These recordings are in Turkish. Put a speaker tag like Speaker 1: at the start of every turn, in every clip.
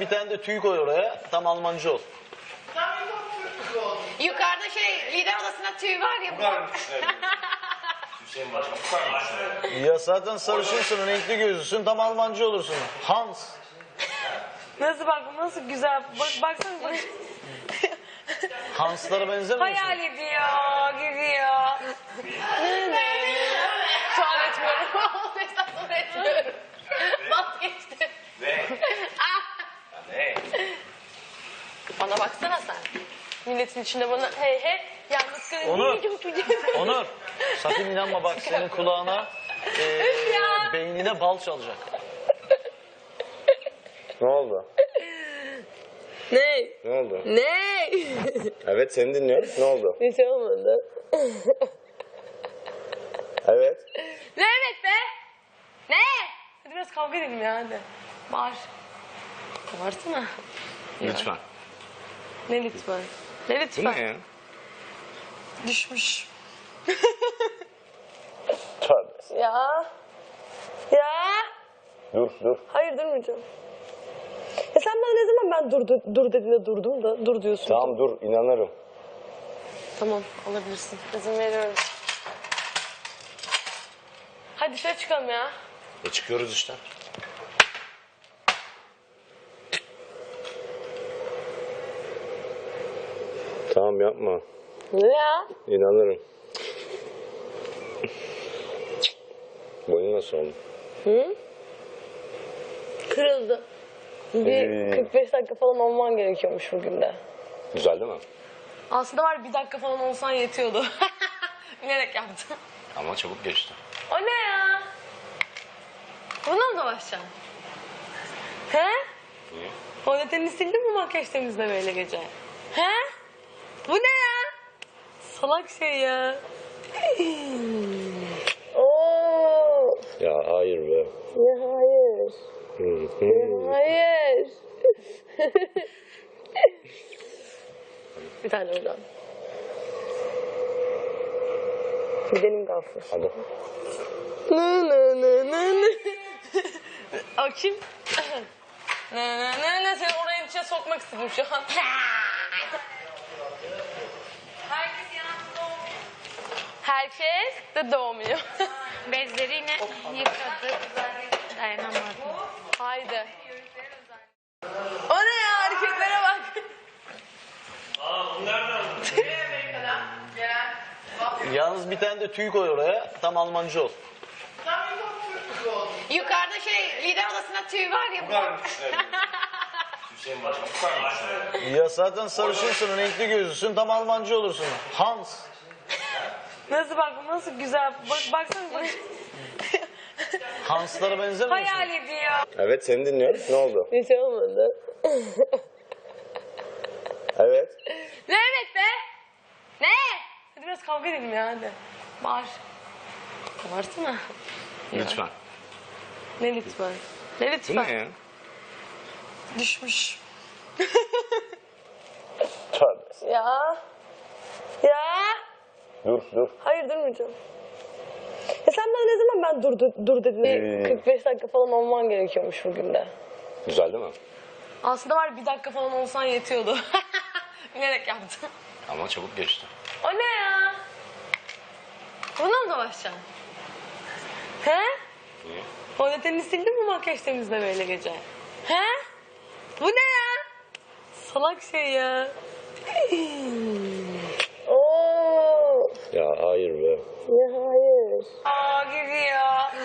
Speaker 1: bir tane de tüy koy oraya. Tam Almancı ol.
Speaker 2: Yukarıda lider odasında tüy var ya.
Speaker 3: Hüseyin Başkan bu kadar mı?
Speaker 1: Ya zaten sarışınsın, renkli gözlüsün. Tam Almancı olursun. Hans.
Speaker 2: Nasıl bak, nasıl güzel. Baksana bak.
Speaker 1: Hanslara benzemiyor musun?
Speaker 2: Hayal ediyor, gidiyor. Şu an etmiyorum. Hesapları etmiyorum. Vazgeçtim.
Speaker 3: Ne? Ne?
Speaker 2: Bana baksana sen. Milletin içinde bana hey hey yalnız kalın.
Speaker 1: Onur. Onur. Sakın inanma bak senin kulağına beynine bal çalacak.
Speaker 4: Ne oldu?
Speaker 2: Ne?
Speaker 4: Ne oldu?
Speaker 2: Ne?
Speaker 4: Evet seni dinliyorum. Ne oldu?
Speaker 2: Hiç olmadı.
Speaker 4: Evet.
Speaker 2: Ne evet be? Ne? Hadi biraz kavga edelim ya hadi. Bağır. Bağırsana.
Speaker 4: Lütfen.
Speaker 2: Ne lütfen? Ne
Speaker 4: Bu
Speaker 2: lütfen?
Speaker 4: ne ya?
Speaker 2: Düşmüş.
Speaker 4: Tövbe.
Speaker 2: Ya. Ya.
Speaker 4: Dur.
Speaker 2: Hayır durmayacağım. Ya sen bana ne zaman ben dur dediğinde durdum da dur diyorsun.
Speaker 4: Tamam dur inanırım.
Speaker 2: Tamam alabilirsin. İzin veriyorum. Hadi dışarı çıkalım ya.
Speaker 4: Çıkıyoruz işte. Tamam yapma.
Speaker 2: Ne ya?
Speaker 4: İnanırım. Boyun nasıl oldu?
Speaker 2: Kırıldı. Bir 45 dakika falan olman gerekiyormuş bugün de.
Speaker 4: Güzel değil mi?
Speaker 2: Aslında var bir dakika falan olsan yetiyordu. Bilerek yaptım.
Speaker 4: Ama çabuk geçti.
Speaker 2: O ne ya? Bununla mı dolaşacaksın? He?
Speaker 4: Niye?
Speaker 2: Fondötenini sildin mi makyaj temizle böyle gece? He? Bu ne ya? Salak şey ya. Oo.
Speaker 4: Ya hayır be.
Speaker 2: Ya hayır. Hayır. Bir tane oradan. Gidelim Gafur.
Speaker 4: Hadi.
Speaker 2: O kim? Seni oraya içine sokmak istedim şu an. Herkes de doğmuyor.
Speaker 5: Bezleri yine yıkadı. Dayanamadım.
Speaker 2: Haydi. O ne ya, hareketlere bak.
Speaker 1: Yalnız bir tane de tüy koy oraya. Tam Almancı ol.
Speaker 2: Yukarıda lider odasında tüy var ya.
Speaker 3: Bu kadar mı düşünebiliyorsun? Hüseyin Başkan bu kadar mı düşünebiliyorsun?
Speaker 1: Ya zaten sarışınsın, renkli gözlüsün. Tam Almancı olursun. Hans.
Speaker 2: Nasıl bak, nasıl güzel. Baksana bak.
Speaker 1: Hanslara benzemiyor musun?
Speaker 2: Hayal ediyor.
Speaker 4: Evet seni dinliyorum. Ne oldu?
Speaker 2: Hiç olmadı.
Speaker 4: Evet.
Speaker 2: Ne evet be? Ne? Hadi biraz kavga edelim ya hadi. Bağır. Bağırsana.
Speaker 4: Lütfen.
Speaker 2: Ne lütfen? Ne
Speaker 4: Bu
Speaker 2: lütfen?
Speaker 4: ne ya?
Speaker 2: Düşmüş.
Speaker 4: Tövbe.
Speaker 2: Ya. Ya.
Speaker 4: Dur.
Speaker 2: Hayır durmayacağım. Ya sen bana ne zaman ben dur dediğinde 45 dakika falan olman gerekiyormuş bugün de.
Speaker 4: Güzel değil mi?
Speaker 2: Aslında var bir dakika falan olsan yetiyordu. Bilerek yaptım.
Speaker 4: Ama çabuk geçti.
Speaker 2: O ne ya? Bununla mı dolaşacaksın? He?
Speaker 4: Niye?
Speaker 2: Fondötenini sildin mi makyaj temizle böyle gece? He? Bu ne ya? Salak şey ya. Oo.
Speaker 4: Ya hayır be.
Speaker 2: Ya hayır. Aa gidiyor.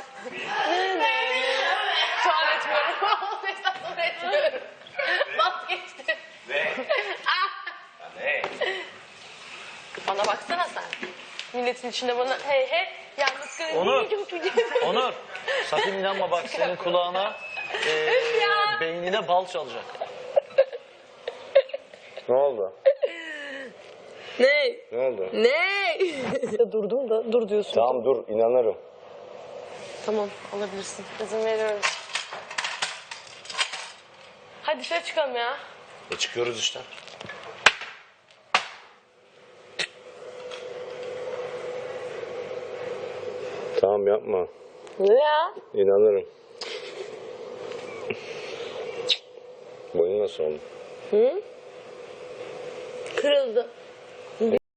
Speaker 2: Şu an etmiyorum. Hesapları etmiyorum. Vazgeçtim.
Speaker 3: Ne? Ne?
Speaker 2: Bana baksana sen. Milletin içinde bana hey hey yalnız kalın.
Speaker 1: Onur. Onur. Sakın inanma bak senin kulağına beynine bal çalacak.
Speaker 4: Ne oldu?
Speaker 2: Ne?
Speaker 4: Ne oldu?
Speaker 2: Ne? Durdum da dur diyorsun.
Speaker 4: Tamam dur inanırım.
Speaker 2: Tamam alabilirsin. İzin veriyorum. Hadi dışarı çıkalım ya.
Speaker 4: Çıkıyoruz işte. Tamam yapma.
Speaker 2: Ne ya?
Speaker 4: İnanırım. Boyun nasıl oldu?
Speaker 2: Kırıldı.